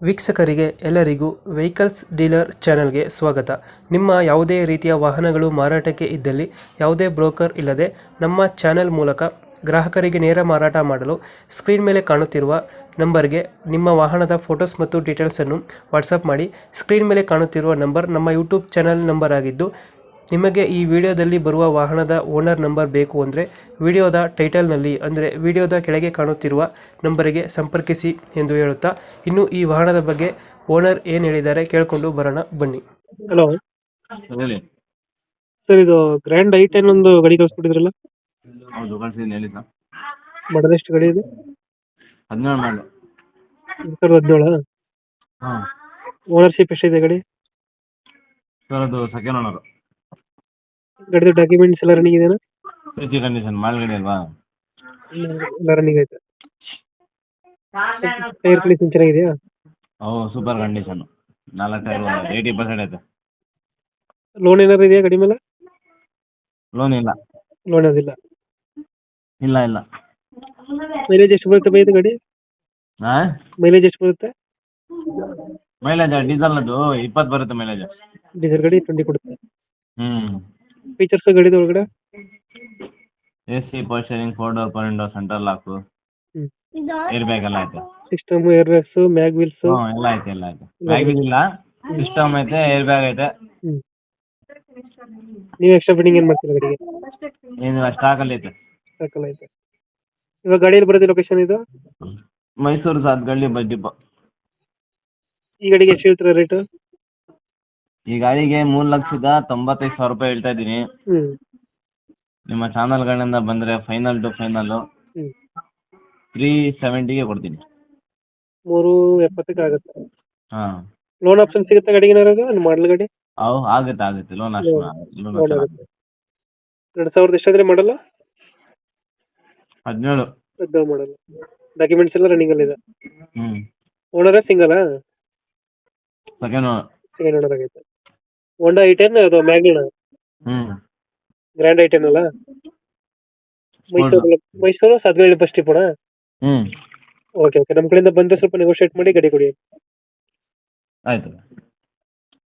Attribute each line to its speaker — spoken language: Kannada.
Speaker 1: ವೀಕ್ಷಕರಿಗೆ ಎಲ್ಲರಿಗೂ ವೆಹಿಕಲ್ಸ್ ಡೀಲರ್ ಚಾನೆಲ್ಗೆ ಸ್ವಾಗತ. ನಿಮ್ಮ ಯಾವುದೇ ರೀತಿಯ ವಾಹನಗಳು ಮಾರಾಟಕ್ಕೆ ಇದ್ದಲ್ಲಿ ಯಾವುದೇ ಬ್ರೋಕರ್ ಇಲ್ಲದೆ ನಮ್ಮ ಚಾನೆಲ್ ಮೂಲಕ ಗ್ರಾಹಕರಿಗೆ ನೇರ ಮಾರಾಟ ಮಾಡಲು ಸ್ಕ್ರೀನ್ ಮೇಲೆ ಕಾಣುತ್ತಿರುವ ನಂಬರ್ಗೆ ನಿಮ್ಮ ವಾಹನದ ಫೋಟೋಸ್ ಮತ್ತು ಡೀಟೇಲ್ಸನ್ನು ವಾಟ್ಸಪ್ ಮಾಡಿ. ಸ್ಕ್ರೀನ್ ಮೇಲೆ ಕಾಣುತ್ತಿರುವ ನಂಬರ್ ನಮ್ಮ ಯೂಟ್ಯೂಬ್ ಚಾನೆಲ್ ನಂಬರ್ ಆಗಿದ್ದು, ನಿಮಗೆ ಈ ವಿಡಿಯೋದಲ್ಲಿ ಬರುವ ವಾಹನದ ಓನರ್ ನಂಬರ್ ಬೇಕು ಅಂದರೆ ವಿಡಿಯೋದ ಟೈಟಲ್ನಲ್ಲಿ ಅಂದರೆ ವಿಡಿಯೋದ ಕೆಳಗೆ ಕಾಣುತ್ತಿರುವ ನಂಬರಿಗೆ ಸಂಪರ್ಕಿಸಿ ಎಂದು ಹೇಳುತ್ತಾ, ಇನ್ನು ಈ ವಾಹನದ ಬಗ್ಗೆ ಓನರ್ ಏನು ಹೇಳಿದ್ದಾರೆ ಕೇಳಿಕೊಂಡು ಬರೋಣ ಬನ್ನಿ. ಹಲೋ
Speaker 2: ಹೇಳಿ.
Speaker 1: ಸರ್, ಇದು ಗ್ರ್ಯಾಂಡ್ ಐ10 ಒಂದು ಗಾಡಿ ಕಳಿಸ್ಬಿಟ್ಟಿದ್ರಲ್ಲ,
Speaker 2: ಹೌದು ಕಳ್ಸಿದ್ದೀನಿ ಹೇಳಿ ಸರ್.
Speaker 1: ಮಾಡಲ್ ಎಷ್ಟು ಗಾಡಿ ಇದೆ?
Speaker 2: 17 ಮಾಡಲು.
Speaker 1: 2017.
Speaker 2: ಹಾಂ
Speaker 1: ಓನರ್ಶಿಪ್ ಎಷ್ಟಿದೆ ಗಾಡಿ?
Speaker 2: ಸರ್ ಅದು ಸೆಕೆಂಡ್ ಓನರು.
Speaker 1: ಗಾಡಿದು ಡಾಕ್ಯುಮೆಂಟ್ಸ್ ಎಲ್ಲ ರನ್ನಿಂಗ್ ಇದೆಯಾ?
Speaker 2: ಸಿ ಕಂಡೀಷನ್ ಮಾಲ್ಗಡೆ ಅಲ್ವಾ?
Speaker 1: ಎಲ್ಲ ರನ್ನಿಂಗ್ ಐತೆ. ಟೈರ್ ಕಂಡೀಷನ್ ಚೆನ್ನಾಗಿದೆಯಾ?
Speaker 2: ಅವು ಸೂಪರ್ ಕಂಡೀಷನು. 4 ಟೈರ್ 80% ಐತೆ.
Speaker 1: ಲೋನ್ ಏನಾದ್ರು ಇದೆಯಾ ಗಾಡಿ ಮೇಲೆ?
Speaker 2: ಲೋನ್ ಇಲ್ಲ.
Speaker 1: ಲೋನ್ ಅದಿಲ್ಲ.
Speaker 2: ಇಲ್ಲ ಇಲ್ಲ.
Speaker 1: ಮೈಲೇಜ್ ಎಷ್ಟು ಬರುತ್ತೆ ಬೈದು ಗಾಡಿ?
Speaker 2: ಹಾಂ
Speaker 1: ಮೈಲೇಜ್ ಎಷ್ಟು ಬರುತ್ತೆ?
Speaker 2: ಮೈಲೇಜ್ ಡೀಸೆಲ್ ಅದು 20 ಬರುತ್ತೆ ಮೈಲೇಜ್.
Speaker 1: ಡೀಸೆಲ್ ಗಾಡಿ 20 ಕೊಡುತ್ತೆ.
Speaker 2: ಹ್ಞೂ.
Speaker 1: ಫೀಚರ್ಸ್ ಗಾಡಿದ ಒಳಗಡೆ?
Speaker 2: AC power steering, 4 door power window, central lock, air bag ಎಲ್ಲ ಐತೆ.
Speaker 1: System, air bags, mag wheels
Speaker 2: ಹ್ಞೂ ಎಲ್ಲ ಐತೆ ಎಲ್ಲ ಐತೆ. ಬ್ಯಾಗ್ ಇಲ್ಲ, ಸಿಸ್ಟಮ್ ಐತೆ, ಏರ್ ಬ್ಯಾಗ್ ಐತೆ.
Speaker 1: ನೀವು ಎಕ್ಸ್ಟ್ರಾ ಫಿಟ್ಟಿಂಗ್ ಏನು ಮಾಡ್ತೀರಾ ಗಾಡಿಗೆ?
Speaker 2: ಏನು ಸ್ಟಾಕಲ್ಲಿ ಐತೆ.
Speaker 1: ಸಾಕಲ್ಲ ಐತೆ. ಇವಾಗ ಗಾಡಿಯಲ್ಲಿ ಬರೋದು ಲೊಕೇಶನ್ ಇದು?
Speaker 2: Mysore Sathagalli bus depot.
Speaker 1: ಈ ಗಾಡಿಗೆ ಎಷ್ಟು ಹೇಳ್ತೀರಾ ರೇಟು?
Speaker 2: ಈ ಗಾಡಿಗೆ 3,95,000 ರೂಪಾಯಿ ಹೇಳ್ತಾ ಇದ್ದೀನಿ. ನಿಮ್ಮ ಚಾನಲ್ಗಳಿಂದ ಬಂದರೆ ಫೈನಲ್ ಟು ಫೈನಲ್ಲು 370ಗೆ ಕೊಡ್ತೀನಿ.
Speaker 1: 370 ಆಗುತ್ತೆ.
Speaker 2: ಹಾಂ.
Speaker 1: ಲೋನ್ ಆಪ್ಷನ್ ಸಿಗುತ್ತೆ ಗಾಡಿಗೆ ಏನಾದ್ರು? ಮಾಡಲ್ ಗಾಡಿ
Speaker 2: ಆಗುತ್ತೆ ಲೋನ್ ಲೋನ್
Speaker 1: ಆಗುತ್ತೆ. 2000 ಎಷ್ಟಾದ್ರೆ ಮಾಡಲ್ಲ?
Speaker 2: 17.
Speaker 1: 17 ಮಾಡಲ್ಲ. ಡಾಕ್ಯುಮೆಂಟ್ಸ್ ಎಲ್ಲ ರನ್ನಿಂಗ್ ಅಲ್ಲಿ ಇದೆ.
Speaker 2: ಹ್ಞೂ.
Speaker 1: Owner single?
Speaker 2: Second owner.
Speaker 1: Second owner ಆಗೈತೆ. ಹೋಂಡಾ ಐ10 ಅದು ಮ್ಯಾಗ್ನ?
Speaker 2: ಹ್ಞೂ.
Speaker 1: ಗ್ರ್ಯಾಂಡ್ ಐ10 ಅಲ್ಲ? ಮೈಸೂರು ಸಾತ್ಗಳ್ಳಿ ಬಸ್ ಡಿಪೋಣ?
Speaker 2: ಹ್ಞೂ.
Speaker 1: ಓಕೆ, ನಮ್ಮ ಕಡೆಯಿಂದ ಬಂದರೆ ಸ್ವಲ್ಪ ನೆಗೋಷಿಯೇಟ್ ಮಾಡಿ ಗಾಡಿ ಕೊಡಿ.
Speaker 2: ಆಯಿತು.